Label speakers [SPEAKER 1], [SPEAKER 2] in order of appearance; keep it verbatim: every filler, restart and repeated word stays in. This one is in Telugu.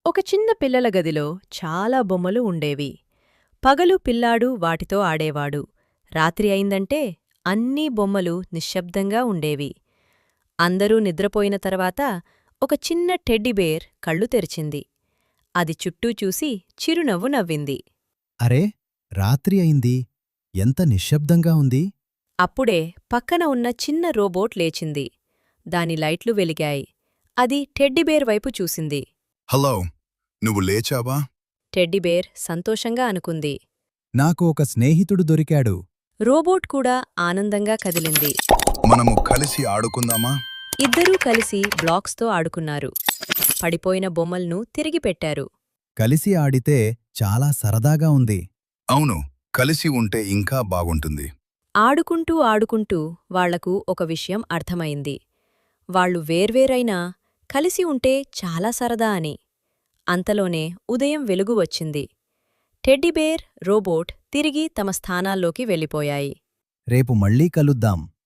[SPEAKER 1] ఒక చిన్న పిల్లల గదిలో చాలా బొమ్మలు ఉండేవి. పగలు పిల్లాడు వాటితో ఆడేవాడు. రాత్రి అయిందంటే అన్నీ బొమ్మలు నిశ్శబ్దంగా ఉండేవి. అందరూ నిద్రపోయిన తర్వాత ఒక చిన్న టెడ్డీబేర్ కళ్ళు తెరిచింది. అది చుట్టూ చూసి చిరునవ్వు నవ్వింది.
[SPEAKER 2] అరే రాత్రి అయింది. ఎంత నిశ్శబ్దంగా ఉంది.
[SPEAKER 1] అప్పుడే పక్కన ఉన్న చిన్న రోబోట్ లేచింది. దాని లైట్లు వెలిగాయి. అది టెడ్డీబేర్ వైపు చూసింది.
[SPEAKER 3] హలో, నువ్వు లేచావా?
[SPEAKER 1] టెడ్డీబేర్ సంతోషంగా అనుకుంది.
[SPEAKER 2] నాకు ఒక స్నేహితుడు దొరికాడు.
[SPEAKER 1] రోబోట్ కూడా ఆనందంగా కదిలింది.
[SPEAKER 3] మనము కలిసి ఆడుకుందామా?
[SPEAKER 1] ఇద్దరూ కలిసి బ్లాక్స్తో ఆడుకున్నారు. పడిపోయిన బొమ్మల్ను తిరిగి పెట్టారు.
[SPEAKER 2] కలిసి ఆడితే చాలా సరదాగా ఉంది.
[SPEAKER 3] అవును, కలిసి ఉంటే ఇంకా బాగుంటుంది.
[SPEAKER 1] ఆడుకుంటూ ఆడుకుంటూ వాళ్లకు ఒక విషయం అర్థమైంది. వాళ్ళు వేర్వేరైనా కలిసి ఉంటే చాలా సరదా అని. అంతలోనే ఉదయం వెలుగు వచ్చింది. టెడ్డీబేర్, రోబోట్ తిరిగి తమ స్థానాల్లోకి వెళ్ళిపోయాయి.
[SPEAKER 2] రేపు మళ్ళీ కలుద్దాం.